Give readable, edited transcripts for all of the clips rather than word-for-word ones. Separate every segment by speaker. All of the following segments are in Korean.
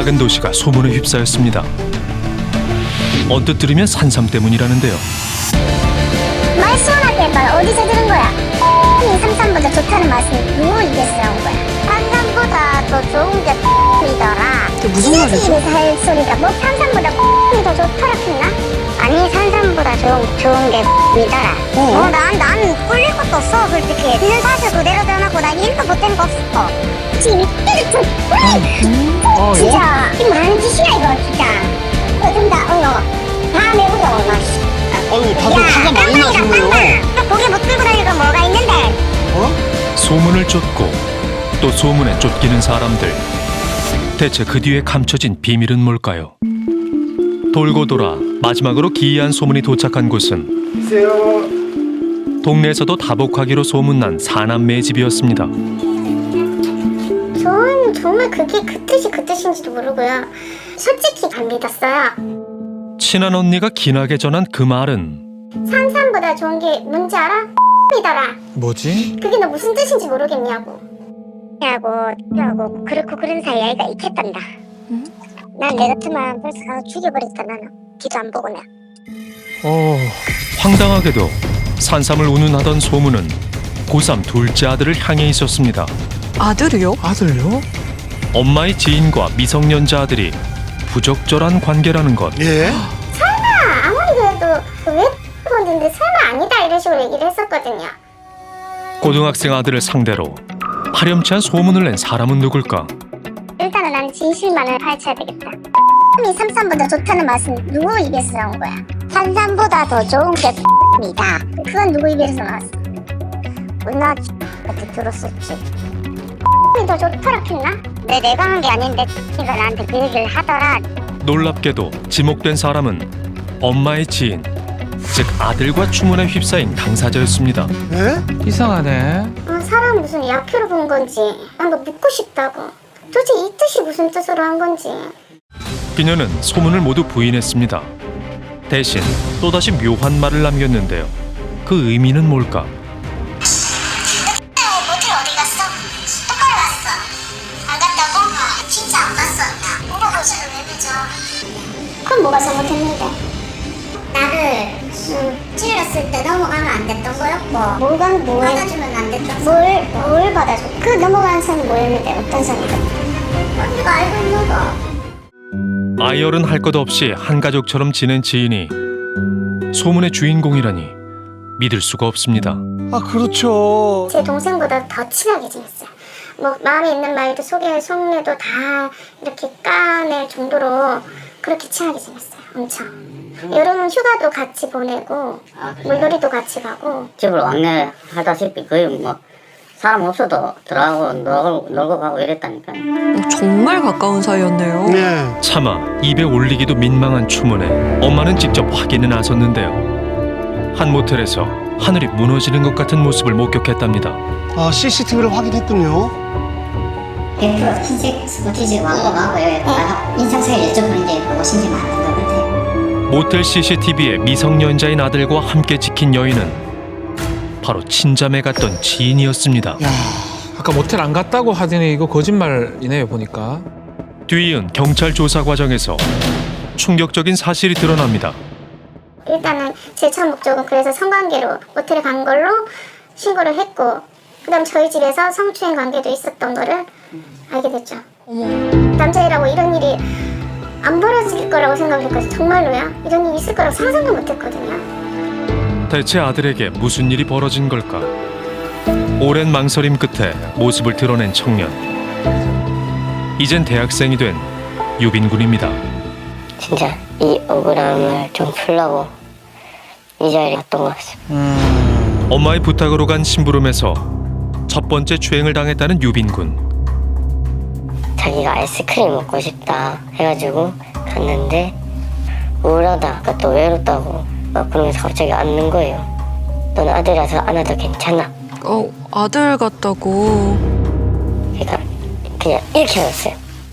Speaker 1: 작은 도시가 소문에 휩싸였습니다. 언뜻 들으면 산삼 때문이라는데요.
Speaker 2: 말 시원하게 해봐. 어디서 들은 거야? 이 삼삼보다 좋다는 맛은 누구 입에서 나온 거야? 삼삼보다 더 좋은 게 이더라.
Speaker 3: 그게 무슨 말이지?
Speaker 2: 입에서 할 소리가 뭐 삼삼보다 이 더 좋더라 했나? 아니 산삼보다 좋은 게 이더라. 난 꿀릴 것도 없어 솔직히. 있는 사실 그대로 전하고 난 일도 못된 거 없어. 지금 이때도 좀 진짜 이 많은 짓이야 이거 진짜. 좀 더 다음에 보자 엄마.
Speaker 3: 아유, 다들 화가 많이 나시네요.
Speaker 2: 고개 못 들고 다니고 뭐가 있는데?
Speaker 1: 소문을 쫓고 또 소문에 쫓기는 사람들. 대체 그 뒤에 감춰진 비밀은 뭘까요? 돌고 돌아 마지막으로 기이한 소문이 도착한 곳은 동네에서도 다복하기로 소문난 사남매의 집이었습니다.
Speaker 2: 전 정말 그게 그 뜻인지도 모르고요. 솔직히 안 믿었어요.
Speaker 1: 친한 언니가 긴하게 전한 그 말은
Speaker 2: 산삼보다 좋은 게 뭔지 알아? 이더라.
Speaker 3: 뭐지?
Speaker 2: 그게 너 무슨 뜻인지 모르겠냐고. 그렇고 그런 사이 아이가 있겠단다. 난 내 같으면 벌써 가서 죽여버렸다 나는. 뒤도 안 보고 나.
Speaker 1: 황당하게도 산삼을 운운하던 소문은 고3 둘째 아들을 향해 있었습니다.
Speaker 4: 아들이요?
Speaker 3: 아들요?
Speaker 1: 엄마의 지인과 미성년자 아들이 부적절한 관계라는 것.
Speaker 3: 예?
Speaker 2: 아무리 그래도 왜 건드는데 설마 아니다 이런 식으로 얘기를 했었거든요.
Speaker 1: 고등학생 아들을 상대로 파렴치한 소문을 낸 사람은 누굴까?
Speaker 2: 일단은 난 진실만을 파헤쳐야 되겠다. 이 삼삼보다 좋다는 맛은 누구 입에서 나온 거야? 산삼보다 더 좋은 게 이다. 그건 누구 입에서 나왔어? 누나한테 들었었지. 더 좋더라 했나? 내가 한 게 아닌데 이가 나한테 그 얘기를 하더라.
Speaker 1: 놀랍게도 지목된 사람은 엄마의 지인, 즉 아들과 추문에 휩싸인 당사자였습니다.
Speaker 3: 예?
Speaker 4: 이상하네.
Speaker 2: 사람 무슨 약효로 본 건지 난 너 믿고 싶다고. 도대체 이 뜻이 무슨 뜻으로 한 건지.
Speaker 1: 그녀는 소문을 모두 부인했습니다. 대신 또다시 묘한 말을 남겼는데요. 그 의미는 뭘까?
Speaker 2: 모텔 어디 갔어? 똑바로 갔어. 안 갔다고? 진짜 안 갔어. 뭐가 거실을 왜 늦어? 그럼 뭐가 잘못했는데? 나를 찔렀을 때 넘어가면 안 됐던 거였고 뭐가 받아주면 안 됐던 뭘 받아줘? 그 넘어가는 선이 뭐였는데 어떤 선이든 언니가 알고 있는 거.
Speaker 1: 아이얼은 할 것 없이 한 가족처럼 지낸 지인이 소문의 주인공이라니 믿을 수가 없습니다.
Speaker 3: 아, 그렇죠.
Speaker 2: 제 동생보다 더 친하게 지냈어요. 뭐 마음에 있는 말도 속내도 다 이렇게 까낼 정도로 그렇게 친하게 지냈어요. 엄청. 여름은 휴가도 같이 보내고 물놀이도 같이 가고.
Speaker 5: 집을 왕래하다시피 거의 뭐 사람 없어도 들어가고 놀고 가고 이랬다니까요.
Speaker 4: 정말 가까운 사이였네요.
Speaker 3: 네.
Speaker 1: 차마 입에 올리기도 민망한 추문에 엄마는 직접 확인에 나섰는데요. 한 모텔에서 하늘이 무너지는 것 같은 모습을 목격했답니다.
Speaker 3: 아, CCTV를 확인했군요.
Speaker 5: 스포티지 왕고가 인상사에 여쭤보는 게 무엇인지 맞는 것 같아요.
Speaker 1: 모텔 CCTV에 미성년자인 아들과 함께 지킨 여인은 바로 친자매 같던 지인이었습니다.
Speaker 6: 야, 아까 모텔 안 갔다고 하더니 이거 거짓말이네요 보니까.
Speaker 1: 뒤이은 경찰 조사 과정에서 충격적인 사실이 드러납니다.
Speaker 2: 일단은 제 첫 목적은 그래서 성관계로 모텔에 간 걸로 신고를 했고, 그다음 저희 집에서 성추행 관계도 있었던 거를 알게 됐죠. 남자애라고 이런 일이 안 벌어질 거라고 생각했거든요. 정말로요. 이런 일이 있을 거라고 상상도 못했거든요.
Speaker 1: 대체 아들에게 무슨 일이 벌어진 걸까? 오랜 망설임 끝에 모습을 드러낸 청년. 이젠 대학생이 된 유빈군입니다.
Speaker 5: 진짜 이 억울함을 좀 풀려고 이 자리에 왔던 것 같습니다.
Speaker 1: 엄마의 부탁으로 간 심부름에서 첫 번째 추행을 당했다는 유빈군.
Speaker 5: 자기가 아이스크림 먹고 싶다 해가지고 갔는데 우울하다, 또 외롭다고 막 그러면서 갑자기 앉는 거예요. 넌 아들이라서 안아도 괜찮아.
Speaker 4: 아들 같다고.
Speaker 5: 그러니까 그냥 이렇게 하였어요.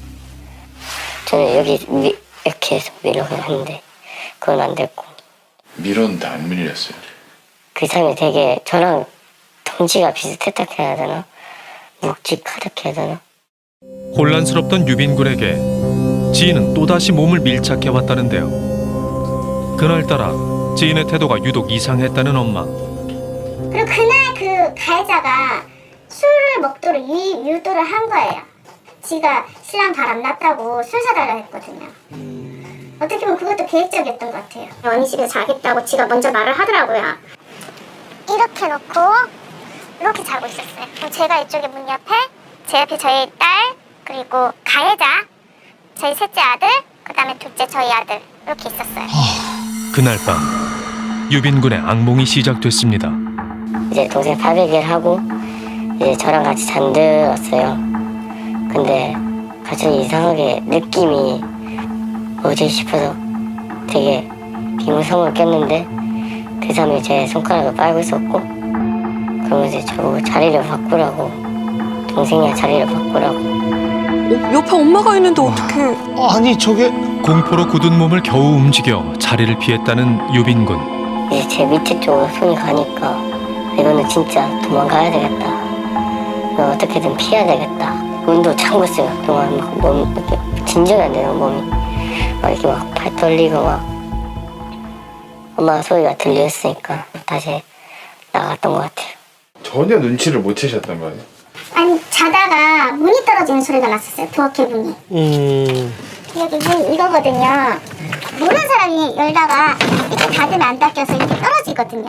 Speaker 5: 저는 여기 이렇게 해서 밀려고 했는데 그건 안 됐고.
Speaker 7: 밀었는데 안 밀렸어요.
Speaker 5: 그 사람이 되게 저랑 덩치가 비슷했다 해야 되나? 묵직하다 해야 되나?
Speaker 1: 혼란스럽던 유빈군에게 지인은 또다시 몸을 밀착해 왔다는데요. 그날따라 지인의 태도가 유독 이상했다는 엄마.
Speaker 2: 그리고 그날 그 가해자가 술을 먹도록 유도를 한 거예요. 지가 신랑 바람 났다고 술 사달라고 했거든요. 어떻게 보면 그것도 계획적이었던 것 같아요. 언니 집에 자겠다고 지가 먼저 말을 하더라고요. 이렇게 놓고 이렇게 자고 있었어요. 그럼 제가 이쪽에 문 옆에, 제 옆에 저희 딸, 그리고 가해자, 저희 셋째 아들, 그 다음에 둘째 저희 아들 이렇게 있었어요.
Speaker 1: 그날 밤 유빈군의 악몽이 시작됐습니다.
Speaker 5: 이제 동생 발베개를 하고 이제 저랑 같이 잠들었어요. 근데 갑자기 이상하게 느낌이 뭐지 싶어서 되게 비몽사몽을 꼈는데 그 사람이 제 손가락을 빨고 있었고, 그러면서 저보고 자리를 바꾸라고, 동생이랑 자리를 바꾸라고.
Speaker 4: 옆에 엄마가 있는데 어떡해.
Speaker 3: 아니 저게
Speaker 1: 공포로 굳은 몸을 겨우 움직여 자리를 피했다는 유빈군.
Speaker 5: 이제 제 밑에 쪽으로 손이 가니까 이거는 진짜 도망가야 되겠다. 이거 어떻게든 피해야 되겠다. 눈도 참고 있어요. 그동안 막 몸 이렇게 진정이 안 되는 몸이 막 이렇게 막 발 떨리고 막. 엄마 소리가 들렸으니까 다시 나갔던 것 같아요.
Speaker 7: 전혀 눈치를 못 채셨단 말이에요.
Speaker 2: 아니 자다가 문이 떨어지는 소리가 났었어요. 부엌에 문이. 여기 문 이거거든요. 모르는 사람이 열다가 이렇게 닫으면 안 닫혀서 이렇게 떨어지거든요.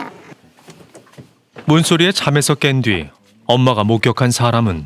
Speaker 1: 문소리에 잠에서 깬 뒤 엄마가 목격한 사람은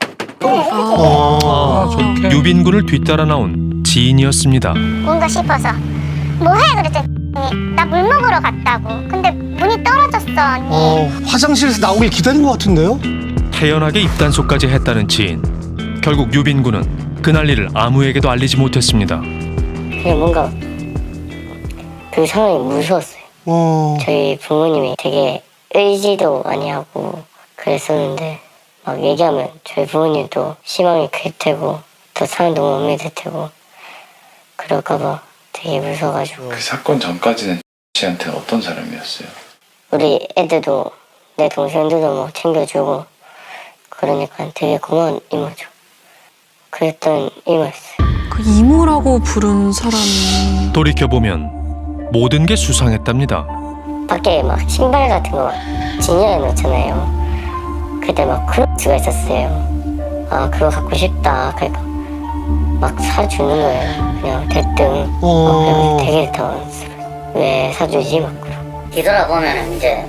Speaker 6: 좋게.
Speaker 1: 유빈군을 뒤따라 나온 지인이었습니다.
Speaker 2: 뭔가 싶어서 뭐해 그랬더니 나 물 먹으러 갔다고. 근데 문이 떨어졌어 언니.
Speaker 3: 화장실에서 나오길 기다린 것 같은데요?
Speaker 1: 태연하게 입단속까지 했다는 지인. 결국 유빈군은 그날 일을 아무에게도 알리지 못했습니다.
Speaker 5: 그냥 뭔가 그 상황이 무서웠어요. 저희 부모님이 되게 의지도 많이 하고 그랬었는데 막 얘기하면 저희 부모님도 실망이 클 테고 더 상황도 못 믿을 테고 그럴까봐 되게 무서워가지고.
Speaker 7: 그 사건 전까지는 씨한테 어떤 사람이었어요?
Speaker 5: 우리 애들도 내 동생들도 뭐 챙겨주고 그러니까 되게 고마운 이모죠. 그랬던 이모였어요.
Speaker 4: 그 이모라고 부른 사람이
Speaker 1: 돌이켜보면 모든 게 수상했답니다.
Speaker 5: 밖에 막 신발 같은 거 진열해 놓잖아요. 그때 막 그럴 수가 있었어요. 아 그거 갖고 싶다. 그러니까 막 사주는 거예요. 그냥 대뜸. 그래서 되게 당황스러워요. 왜 사주지? 막 그러고. 뒤돌아보면 이제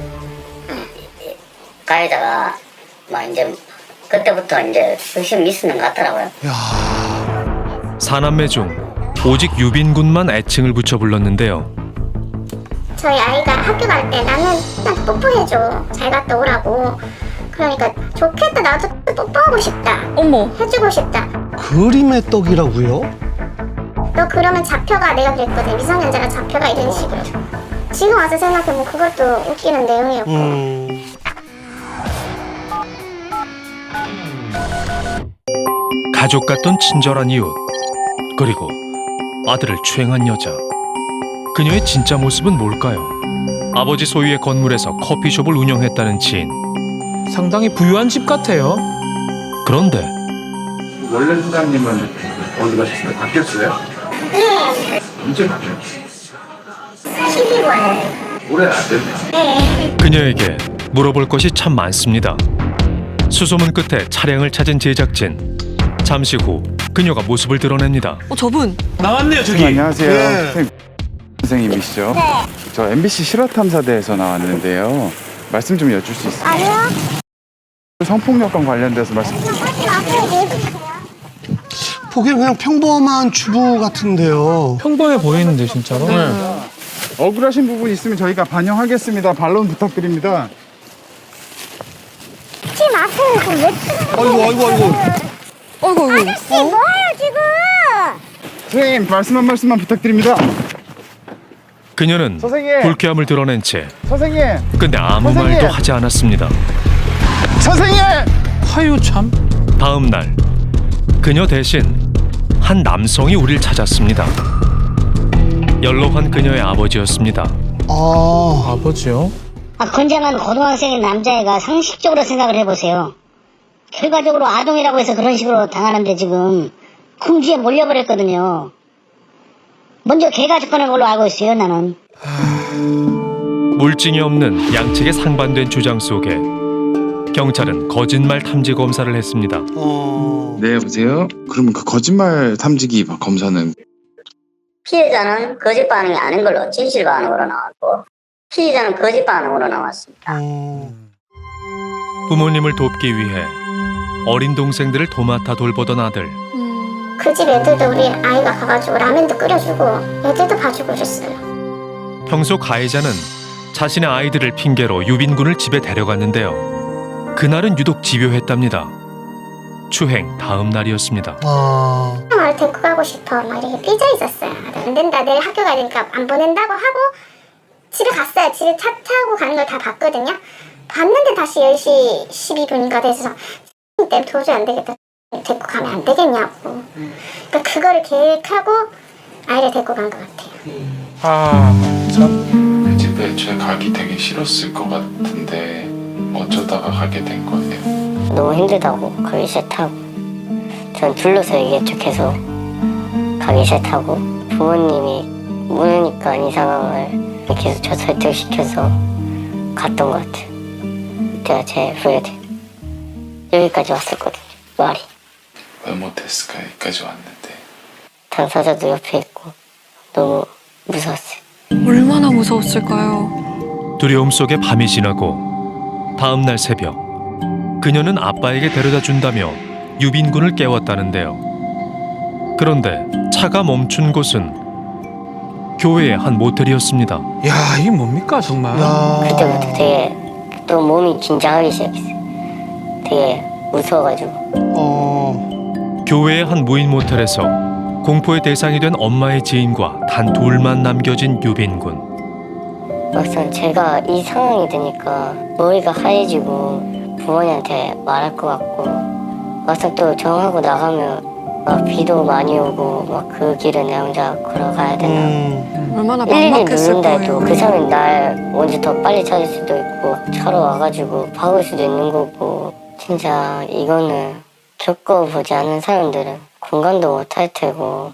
Speaker 5: 가해자가 막 이제 그때부터 이제 의심이 있었는 것 같더라고요.
Speaker 1: 사남매 중 오직 유빈군만 애칭을 붙여 불렀는데요.
Speaker 2: 저희 아이가 학교 갈 때 나는 나한테 뽀뽀해줘. 잘 갔다 오라고. 그러니까 좋겠다. 나도 뽀뽀하고 싶다.
Speaker 4: 어머.
Speaker 2: 해주고 싶다.
Speaker 3: 그림의 떡이라고요?
Speaker 2: 너 그러면 잡혀가. 내가 그랬거든. 미성년자가 잡혀가 이런 식으로. 지금 와서 생각해보면 그것도 웃기는 내용이었고.
Speaker 1: 가족 같던 친절한 이웃, 그리고 아들을 추행한 여자. 그녀의 진짜 모습은 뭘까요? 아버지 소유의 건물에서 커피숍을 운영했다는 지인.
Speaker 6: 상당히 부유한 집 같아요.
Speaker 1: 그런데
Speaker 7: 원래 사장님은 어디 가셨어요? 바뀌었어요? 네. 언제 바뀌었어요?
Speaker 2: 12월.
Speaker 7: 올해 안 됐네.
Speaker 1: 그녀에게 물어볼 것이 참 많습니다. 수소문 끝에 차량을 찾은 제작진. 잠시 후 그녀가 모습을 드러냅니다.
Speaker 4: 저분
Speaker 6: 나왔네요 저기.
Speaker 8: 안녕하세요.
Speaker 3: 네.
Speaker 8: 선생님이시죠?
Speaker 2: 네.
Speaker 8: 저 MBC 실화탐사대에서 나왔는데요. 말씀 좀 여쭐 수 있어요?
Speaker 2: 아니요.
Speaker 8: 성폭력과 관련돼서 말씀.
Speaker 3: 보기엔 그냥 평범한 주부 같은데요.
Speaker 6: 평범해 보이는데 진짜로.
Speaker 8: 억울하신 부분 있으면 저희가 반영하겠습니다. 반론 부탁드립니다.
Speaker 2: 하지 마세요. 그럼 왜
Speaker 3: 아이고.
Speaker 4: 아이고.
Speaker 2: 아저씨 뭐해요 지금?
Speaker 8: 선생님 말씀 한 말씀만 부탁드립니다.
Speaker 1: 그녀는
Speaker 8: 선생님!
Speaker 1: 불쾌함을 드러낸 채
Speaker 8: 선생님!
Speaker 1: 근데 아무
Speaker 8: 선생님!
Speaker 1: 말도 하지 않았습니다.
Speaker 8: 선생님!
Speaker 6: 하유 참.
Speaker 1: 다음 날 그녀 대신 한 남성이 우릴 찾았습니다. 연로한 그녀의 아버지였습니다.
Speaker 6: 아버지요?
Speaker 5: 건장한 고등학생인 남자애가 상식적으로 생각을 해보세요. 결과적으로 아동이라고 해서 그런 식으로 당하는데 지금 궁지에 몰려버렸거든요.
Speaker 2: 먼저 걔가 접근한 걸로 알고 있어요, 나는.
Speaker 1: 물증이 없는 양측의 상반된 주장 속에 경찰은 거짓말 탐지 검사를 했습니다.
Speaker 8: 네, 여보세요? 그러면 그 거짓말 탐지기 검사는
Speaker 5: 피해자는 거짓 반응이 아닌 걸로 진실 반응으로 나왔고 피해자는 거짓 반응으로 나왔습니다.
Speaker 1: 부모님을 돕기 위해 어린 동생들을 도맡아 돌보던 아들.
Speaker 2: 그 집 애들도 우리 아이가 가가지고 라면도 끓여주고 애들도 봐주고 그랬어요.
Speaker 1: 평소 가해자는 자신의 아이들을 핑계로 유빈군을 집에 데려갔는데요. 그날은 유독 집요했답니다. 추행 다음 날이었습니다.
Speaker 2: 말 데리고 가고 싶어 막 이렇게 삐져 있었어요. 안 된다, 내일 학교 가야 되니까 안 보낸다고 하고 집에 갔어요. 집에 차 타고 가는 걸 다 봤거든요. 봤는데 다시 10시 12분인가 돼서 때문에 도저히 안 되겠다, 데리고 가면 안 되겠냐고. 그러니까 그거를 계획하고 아이를 데리고 간 것 같아요.
Speaker 7: 내 집에 애초에 가기 되게 싫었을 것 같은데 어쩌다가 가게 된 거예요?
Speaker 5: 너무 힘들다고 가기 싫다고 전 둘러서이겠죠. 계속 가기 싫다고 부모님이 모르니까 이 상황을 계속 저 설득시켜서 갔던 것 같아요. 그때가 제일 후회돼. 여기까지 왔었거든요. 말이
Speaker 7: 왜 못했을까? 여기까지 왔는데.
Speaker 5: 당사자도 옆에 있고 너무 무서웠어요.
Speaker 4: 얼마나 무서웠을까요?
Speaker 1: 두려움 속에 밤이 지나고 다음 날 새벽 그녀는 아빠에게 데려다 준다며 유빈군을 깨웠다는데요. 그런데 차가 멈춘 곳은 교회의 한 모텔이었습니다.
Speaker 6: 야, 이게 뭡니까 정말?
Speaker 5: 그때부터 되게 또 몸이 긴장하기 시작했어요. 되게 무서워가지고.
Speaker 1: 교회의 한 무인 모텔에서 공포의 대상이 된 엄마의 지인과 단 둘만 남겨진 유빈군.
Speaker 5: 막상 제가 이 상황이 되니까 머리가 하얘지고 부모님한테 말할 것 같고 막상 또 정하고 나가면 막 비도 많이 오고 막 그 길은 내 혼자 걸어가야 되나.
Speaker 4: 얼마나
Speaker 5: 일일이
Speaker 4: 막막했을
Speaker 5: 누른다 해도
Speaker 4: 거예요.
Speaker 5: 그 사람이 날 먼저 더 빨리 찾을 수도 있고 차로 와가지고 박을 수도 있는 거고 진짜 이거는 겪어보지 않은 사람들은 공감도 못할 테고.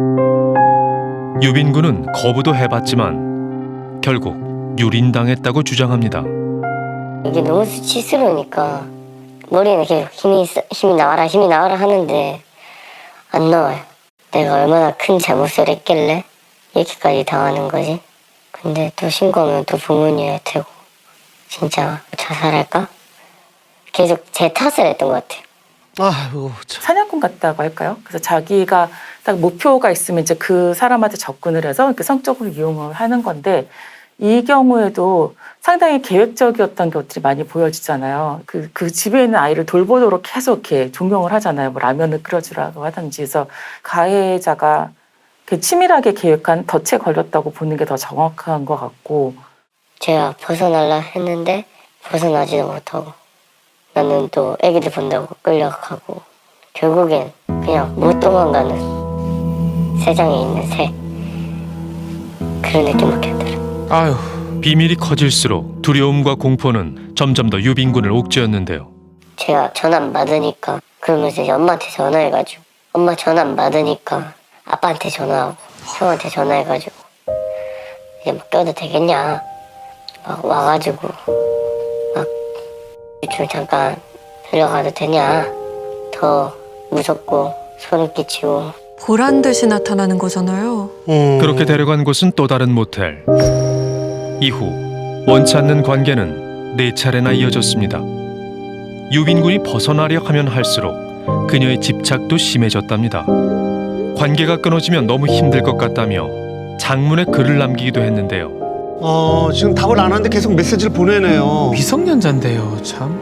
Speaker 1: 유빈군은 거부도 해봤지만 결국 유린당했다고 주장합니다.
Speaker 5: 이게 너무 수치스러우니까 머리는 계속 힘이 나와라 하는데 안 나와요. 내가 얼마나 큰 잘못을 했길래 이렇게까지 당하는 거지. 근데 또 신고하면 또 부모님일 테고 진짜 자살할까? 계속 제 탓을 했던 것 같아요.
Speaker 3: 아이고 참.
Speaker 9: 사냥꾼 같다고 할까요? 그래서 자기가 딱 목표가 있으면 이제 그 사람한테 접근을 해서 성적으로 이용을 하는 건데 이 경우에도 상당히 계획적이었던 것들이 많이 보여지잖아요. 그 집에 있는 아이를 돌보도록 계속 이렇게 종용을 하잖아요. 뭐 라면을 끓여주라고 하든지. 그래서 가해자가 치밀하게 계획한 덫에 걸렸다고 보는 게 더 정확한 것 같고.
Speaker 5: 제가 벗어날라 했는데 벗어나지도 못하고 나는 또 애기들 본다고 끌려가고 결국엔 그냥 못 도망가는 세상에 있는 새 그런 느낌밖에 안 들어요.
Speaker 6: 아유,
Speaker 1: 비밀이 커질수록 두려움과 공포는 점점 더 유빈군을 옥죄었는데요.
Speaker 5: 제가 전화 안 받으니까 그러면서 이제 엄마한테 전화해가지고 엄마 전화 안 받으니까 아빠한테 전화하고 형한테 전화해가지고 이제 막 껴도 되겠냐 막 와가지고 막 좀 잠깐 들려가도 되냐 더 무섭고 소름 끼치고.
Speaker 4: 보란 듯이 나타나는 거잖아요.
Speaker 1: 그렇게 데려간 곳은 또 다른 모텔. 이후 원치 않는 관계는 4차례나 이어졌습니다. 유빈군이 벗어나려 하면 할수록 그녀의 집착도 심해졌답니다. 관계가 끊어지면 너무 힘들 것 같다며 장문에 글을 남기기도 했는데요.
Speaker 3: 지금 답을 안 하는데 계속 메시지를 보내네요.
Speaker 6: 미성년자인데요, 참.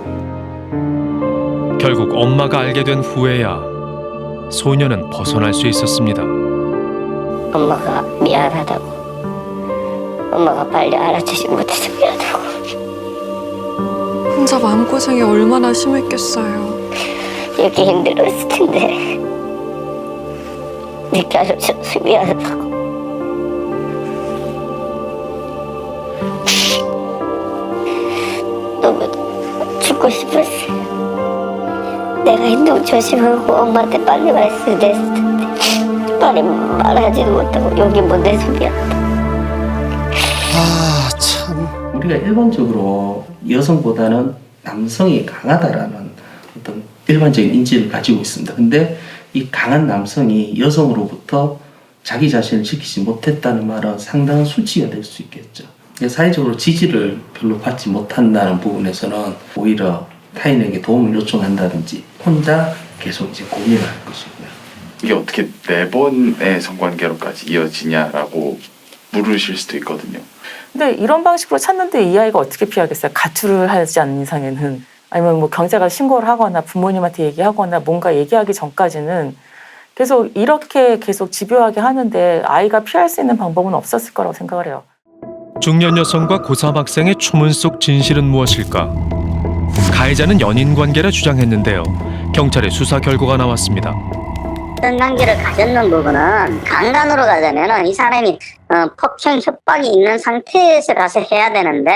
Speaker 1: 결국 엄마가 알게 된 후에야 소녀는 벗어날 수 있었습니다.
Speaker 5: 엄마가 미안하다고 엄마가 빨리 알아주지 못해서 미안하다고.
Speaker 4: 혼자 마음고생이 얼마나 심했겠어요.
Speaker 5: 이렇게 힘들었을 텐데 늦게 알아줘서 미안하다고. 너무 죽고 싶었어요. 내가 행동 조심하고 엄마한테 빨리 말했어야 됐을 텐데. 말에 말하지도 못하고 여기 뭔데 소리야.
Speaker 3: 아, 참.
Speaker 10: 우리가 일반적으로 여성보다는 남성이 강하다라는 어떤 일반적인 인지를 가지고 있습니다. 근데 이 강한 남성이 여성으로부터 자기 자신을 지키지 못했다는 말은 상당한 수치가 될 수 있겠죠. 사회적으로 지지를 별로 받지 못한다는 부분에서는 오히려 타인에게 도움을 요청한다든지 혼자 계속 이제 고민을 할 것이고요.
Speaker 7: 이게 어떻게 4번의 성관계로까지 이어지냐라고 물으실 수도 있거든요.
Speaker 9: 근데 이런 방식으로 찾는데 이 아이가 어떻게 피하겠어요? 가출을 하지 않는 이상에는. 아니면 뭐 경찰가 신고를 하거나 부모님한테 얘기하거나 뭔가 얘기하기 전까지는 계속 이렇게 계속 집요하게 하는데 아이가 피할 수 있는 방법은 없었을 거라고 생각을 해요.
Speaker 1: 중년 여성과 고3 학생의 초문 속 진실은 무엇일까? 가해자는 연인 관계라 주장했는데요. 경찰의 수사 결과가 나왔습니다.
Speaker 5: 어떤 관계를 가졌는 부분은 강간으로 가자면 이 사람이 폭행 협박이 있는 상태에서 가서 해야 되는데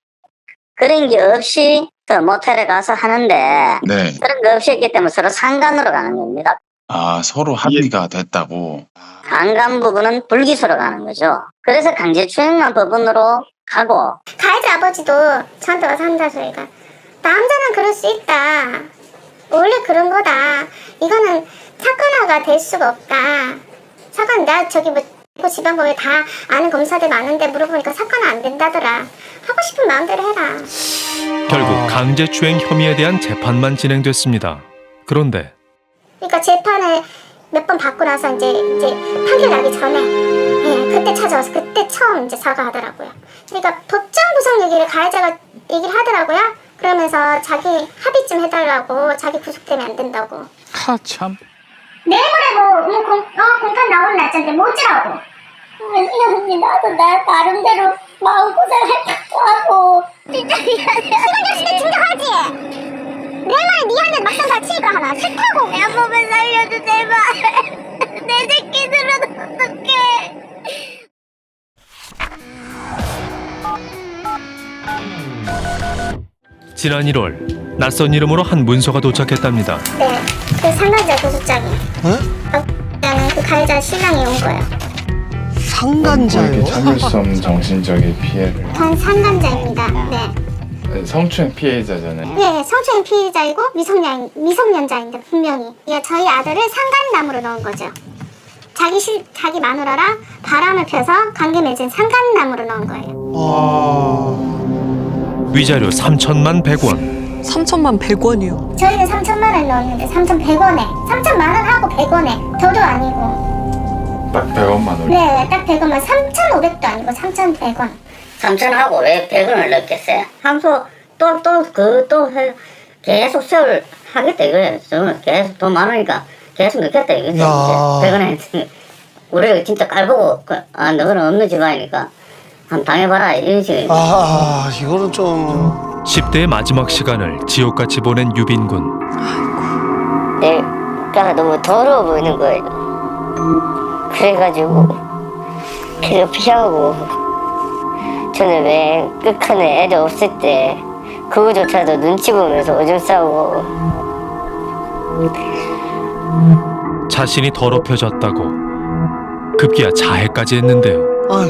Speaker 5: 그런 게 없이 또 모텔에 가서 하는데
Speaker 7: 네.
Speaker 5: 그런 거 없이 했기 때문에 서로 상간으로 가는 겁니다.
Speaker 7: 아, 서로 합의가 됐다고.
Speaker 5: 강간 부분은 불기소로 가는 거죠. 그래서 강제추행만 법원으로 가고.
Speaker 2: 가해자 아버지도 저한테 와서 한다 소리가 남자는 그럴 수 있다. 원래 그런 거다. 이거는 사건화가 될 수가 없다. 사건 나 저기 뭐 지방법에 다 아는 검사들 많은데 물어보니까 사건화 안 된다더라. 하고 싶은 마음대로 해라.
Speaker 1: 결국 강제추행 혐의에 대한 재판만 진행됐습니다. 그런데
Speaker 2: 그러니까 재판을 몇 번 받고 나서 이제 판결 나기 전에 그때 찾아와서 그때 처음 이제 사과하더라고요. 그러니까 법정 구속 얘기를 가해자가 얘기를 하더라고요. 그러면서 자기 합의 좀 해달라고 자기 구속되면 안 된다고.
Speaker 6: 하 참.
Speaker 2: 내일모레 공판 나오는 날짜인데 못 지라고. 언니 나도 나 나름대로 마음고생할 것도 하고. 진짜 미안해. 시간 됐을 때 진정하지. 내 말 니한테 막상 다치니까 하나 싫다고. 내 몸을 살려줘 제발. 내 새끼들은 어떡해.
Speaker 1: 지난 1월 낯선 이름으로 한 문서가 도착했답니다.
Speaker 2: 네, 그 상간자 고소장이. 나는 그 가해자 신랑이 온 거예요.
Speaker 3: 상간자요?
Speaker 7: 참을 수 없는 정신적인 피해를.
Speaker 2: 전 상간자입니다. 네.
Speaker 7: 성추행 피해자잖아요.
Speaker 2: 네, 성추행 피해자이고 미성년자인데 분명히. 저희 아들을 상간남으로 넣은 거죠. 자기 마누라랑 바람을 펴서 관계 맺은 상간남으로 넣은 거예요.
Speaker 1: 위자료 3천만 100원.
Speaker 4: 3천만 100원이요.
Speaker 2: 저희는 3천만 원 넣었는데 3,100원에 3천만 원 하고 100원에 더도 아니고.
Speaker 7: 딱 100원만 올려.
Speaker 2: 네, 딱 100원만 3,500도 아니고 3,100원.
Speaker 5: 3천하고 왜 100원을 넣겠어요? 함소 또 계속 세월 하겠다 이거예요. 저는 계속 돈 많으니까 계속 넣겠다 이거죠. 100원에 우리가 진짜 깔보고 너는 없는 집안이니까 한번 당해봐라 이런 식으로.
Speaker 3: 이거는 좀
Speaker 1: 10대의 마지막 시간을 지옥같이 보낸 유빈군.
Speaker 5: 내가 너무 더러워 보이는 거예요. 그래가지고 계속 피하고 저는 왜 끝칸에 애들 없을 때 그거조차도 눈치 보면서 오줌 싸고.
Speaker 1: 자신이 더럽혀졌다고 급기야 자해까지 했는데요.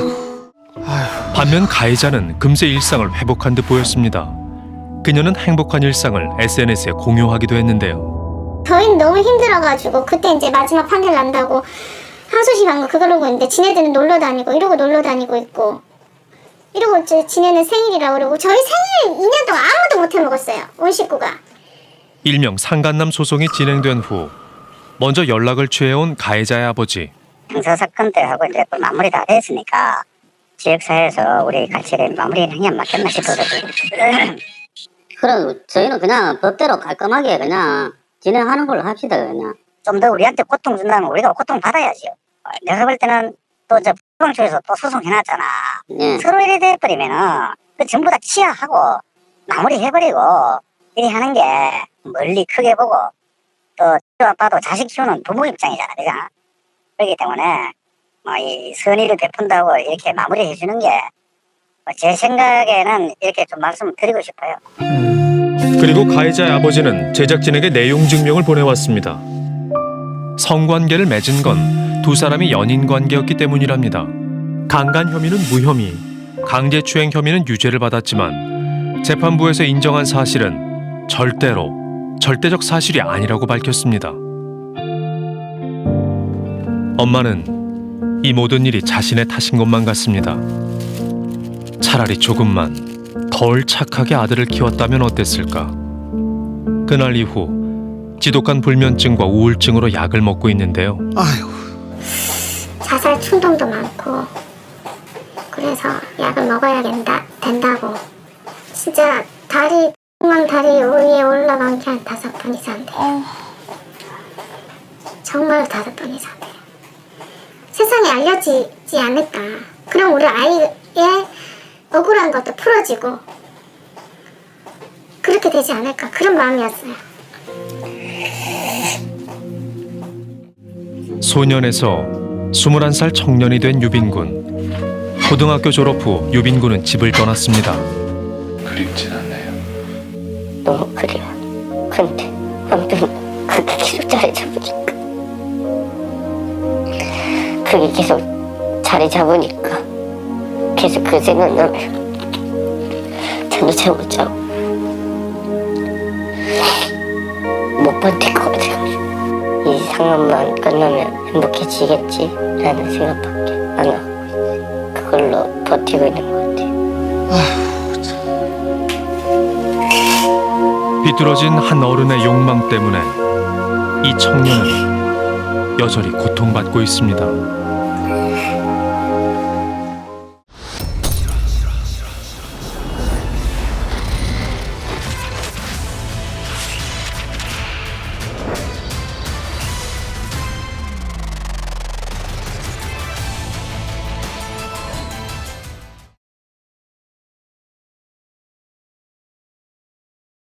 Speaker 1: 반면 가해자는 금세 일상을 회복한 듯 보였습니다. 그녀는 행복한 일상을 SNS에 공유하기도 했는데요.
Speaker 2: 저희는 너무 힘들어가지고 그때 이제 마지막 판결 난다고 항소심 한 거 그러고 있는데 지네들은 놀러 다니고 이러고 놀러 다니고 있고 이러고 이제 지네는 생일이라 그러고 저희 생일 2년 동안 아무도 못 해먹었어요. 온 식구가.
Speaker 1: 일명 상간남 소송이 진행된 후 먼저 연락을 취해온 가해자의 아버지.
Speaker 5: 형사 사건 때 하고 이제 마무리 다 됐으니까 지역사회에서 우리 같이 마무리를 하면 맞겠나 싶어가지고. 그럼 저희는 그냥 법대로 깔끔하게 그냥 진행하는 걸로 합시다. 그냥 좀 더 우리한테 고통 준다면 우리가 고통 받아야지요. 내가 볼 때는 또 저 소방청에서 또 소송해놨잖아. 서로 이래 돼버리면은 그 전부 다 치하하고 마무리해버리고 이리 하는 게 멀리 크게 보고 또 아빠도 자식 키우는 부모 입장이잖아, 그죠? 그렇기 때문에 뭐 이 선의를 베푼다고 이렇게 마무리해 주는 게 제 생각에는 이렇게 좀 말씀을 드리고 싶어요.
Speaker 1: 그리고 가해자의 아버지는 제작진에게 내용 증명을 보내왔습니다. 성관계를 맺은 건 두 사람이 연인 관계였기 때문이랍니다. 강간 혐의는 무혐의, 강제추행 혐의는 유죄를 받았지만 재판부에서 인정한 사실은 절대적 사실이 아니라고 밝혔습니다. 엄마는 이 모든 일이 자신의 탓인 것만 같습니다. 차라리 조금만 덜 착하게 아들을 키웠다면 어땠을까. 그날 이후 지독한 불면증과 우울증으로 약을 먹고 있는데요.
Speaker 3: 아이고.
Speaker 2: 자살 충동도 많고 그래서 약을 먹어야 된다고 진짜 다리 위에 올라간 게 한 5번 이상 돼요. 정말 5번 이상 돼요. 세상에 알려지지 않을까. 그럼 우리 아이의 억울한 것도 풀어지고 그렇게 되지 않을까. 그런 마음이었어요.
Speaker 1: 소년에서 21살 청년이 된 유빈군. 고등학교 졸업 후 유빈군은 집을 떠났습니다.
Speaker 7: 그립진 않나요?
Speaker 5: 너무 그리워. 근데 아무튼 그게 계속 자리 잡으니까 계속 그 생각나면 잠도 잘 못 자고 못 버틸 것 같아요. 이 상황만 끝나면 행복해지겠지 라는 생각밖에 안 하고 그걸로 버티고 있는 것 같아요.
Speaker 1: 비뚤어진 한 어른의 욕망 때문에 이 청년은 여전히 고통받고 있습니다.